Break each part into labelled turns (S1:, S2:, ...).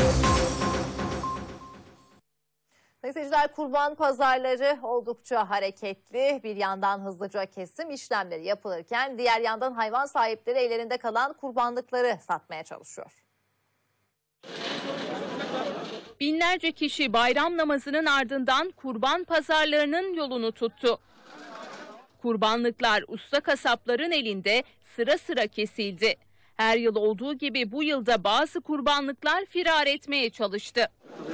S1: Seyirciler, kurban pazarları oldukça hareketli. Bir yandan hızlıca kesim işlemleri yapılırken diğer yandan hayvan sahipleri ellerinde kalan kurbanlıkları satmaya çalışıyor.
S2: Binlerce kişi bayram namazının ardından kurban pazarlarının yolunu tuttu. Kurbanlıklar usta kasapların elinde sıra sıra kesildi. Her yıl olduğu gibi bu yılda bazı kurbanlıklar firar etmeye çalıştı.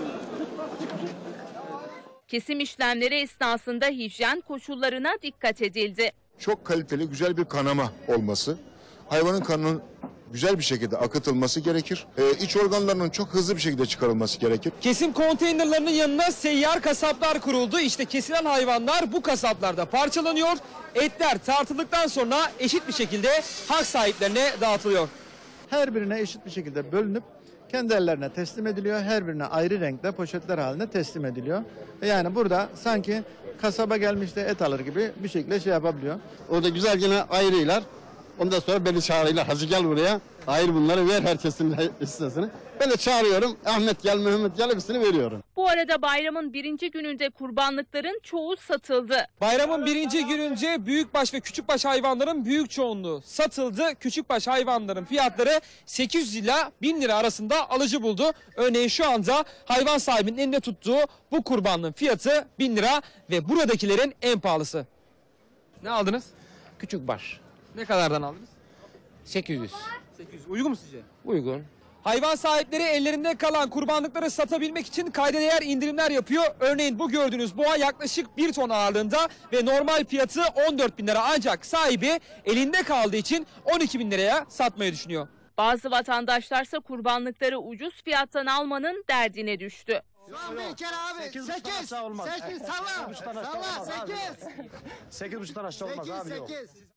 S2: Kesim işlemleri esnasında hijyen koşullarına dikkat edildi.
S3: Çok kaliteli, güzel bir kanama olması, hayvanın kanının güzel bir şekilde akıtılması gerekir. İç organlarının çok hızlı bir şekilde çıkarılması gerekir.
S4: Kesim konteynerlarının yanına seyyar kasaplar kuruldu. İşte kesilen hayvanlar bu kasaplarda parçalanıyor. Etler tartıldıktan sonra eşit bir şekilde hak sahiplerine dağıtılıyor.
S5: Her birine eşit bir şekilde bölünüp kendi ellerine teslim ediliyor. Her birine ayrı renkte poşetler halinde teslim ediliyor. Yani burada sanki kasaba gelmiş de et alır gibi bir şekilde şey yapabiliyor.
S6: Orada güzel yine ayırıyorlar. Ondan sonra beni çağırıyorlar. Hacı gel buraya. Ayır bunları, ver herkesin hissesini. Ben de çağırıyorum. Ahmet gel, Mehmet gel, hepsini veriyorum.
S2: Bu arada bayramın birinci gününde kurbanlıkların çoğu satıldı.
S4: Bayramın birinci gününce büyükbaş ve küçükbaş hayvanların büyük çoğunluğu satıldı. Küçükbaş hayvanların fiyatları 800 ila 1000 lira arasında alıcı buldu. Örneğin şu anda hayvan sahibinin elinde tuttuğu bu kurbanlığın fiyatı 1000 lira ve buradakilerin en pahalısı. Ne aldınız?
S7: Küçükbaş.
S4: Ne kadardan aldınız?
S7: 800.
S4: 800. Uygun mu sizce?
S7: Uygun.
S4: Hayvan sahipleri ellerinde kalan kurbanlıkları satabilmek için kayda değer indirimler yapıyor. Örneğin bu gördüğünüz boğa yaklaşık 1 ton ağırlığında ve normal fiyatı 14 bin lira, ancak sahibi elinde kaldığı için 12 bin liraya satmayı düşünüyor.
S2: Bazı vatandaşlarsa kurbanlıkları ucuz fiyattan almanın derdine düştü.
S6: Bir kere abi. 8 salla. 8 salla. 8. 8,5'tan aşağı olmaz abi.